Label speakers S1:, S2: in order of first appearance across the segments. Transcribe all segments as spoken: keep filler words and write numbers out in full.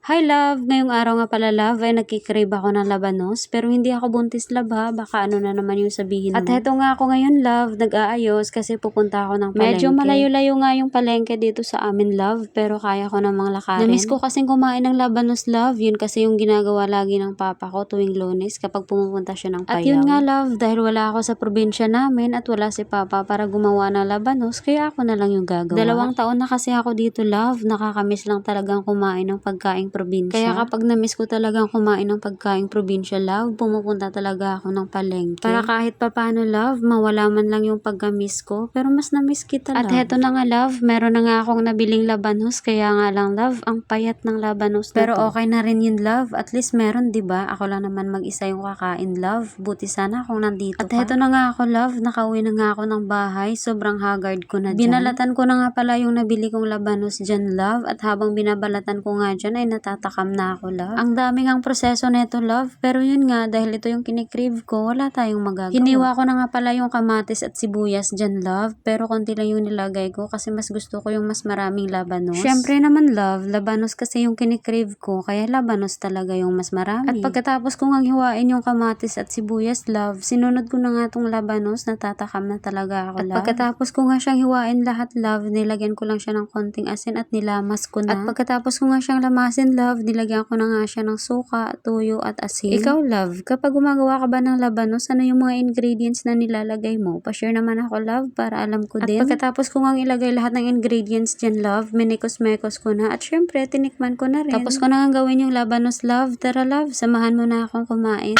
S1: Hi love! Ngayong araw nga pala love ay nagkikrave ako ng labanos pero hindi ako buntis love ha, baka ano na naman yung sabihin mo. At heto nga ako ngayon love, nag-aayos kasi pupunta ako ng palengke. Medyo malayo-layo nga yung palengke dito sa amin love pero kaya ko namang lakarin. Namiss ko kasing kumain ng labanos love, yun kasi yung ginagawa lagi ng papa ko tuwing Lunes kapag pumupunta siya ng Payaw. At yun nga love, dahil wala ako sa probinsya namin at wala si papa para gumawa ng labanos kaya ako na lang yung gagawa. Dalawang taon na kasi ako dito love, nakakamiss lang talagang kumain ng pagkain probinsya. Kaya kapag na-miss ko talagang kumain ng pagkaing probinsya, love, pumupunta talaga ako ng palengke. Para kahit papano, love, mawala man lang yung pagka-miss ko. Pero mas na-miss kita, love. At heto na nga, love, meron na nga akong nabiling labanos. Kaya nga lang, love, ang payat ng labanos na Pero to. Okay na rin yun, love. At least meron, diba? Ako lang naman mag-isa yung kakain, love. Buti sana kung nandito At ka. At heto na nga ako, love. Nakauwi na nga ako ng bahay. Sobrang haggard ko na dyan. Binalatan ko na nga pala yung nabili kong labanos dyan, love. At habang binabalatan ko nga dyan, ay natataka na ako love. Ang daming ang proseso neto love, pero yun nga dahil ito yung kinikrave ko, wala tayong magagawa. Hiniwa ko na nga pala yung kamatis at sibuyas dyan love, pero konti lang yung nilagay ko kasi mas gusto ko yung mas maraming labanos. Syempre naman love, labanos kasi yung kinikrave ko, kaya labanos talaga yung mas marami. At pagkatapos ko ngang hiwain yung kamatis at sibuyas love, sinunod ko na nga tong labanos, natatakam na talaga ako love. At pagkatapos ko nga siyang hiwain lahat love, nilagyan ko lang siya ng konting asin at nilamas ko na. At pagkatapos ko nga siyang lamasin love, nilagyan ko na nga siya ng suka, tuyo at asin. Ikaw love, kapag gumagawa ka ba ng labanos, ano yung mga ingredients na nilalagay mo? Pa-share naman ako love para alam ko din. At pagkatapos ko nga ilagay lahat ng ingredients dyan love, minikos-mekos ko na at syempre tinikman ko na rin. Tapos ko na nga gawin yung labanos love. Tara love, samahan mo na akong kumain.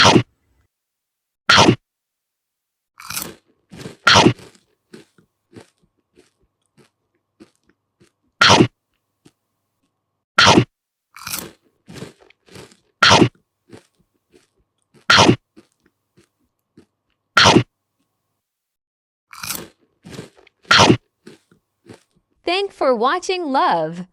S2: Thanks for watching love.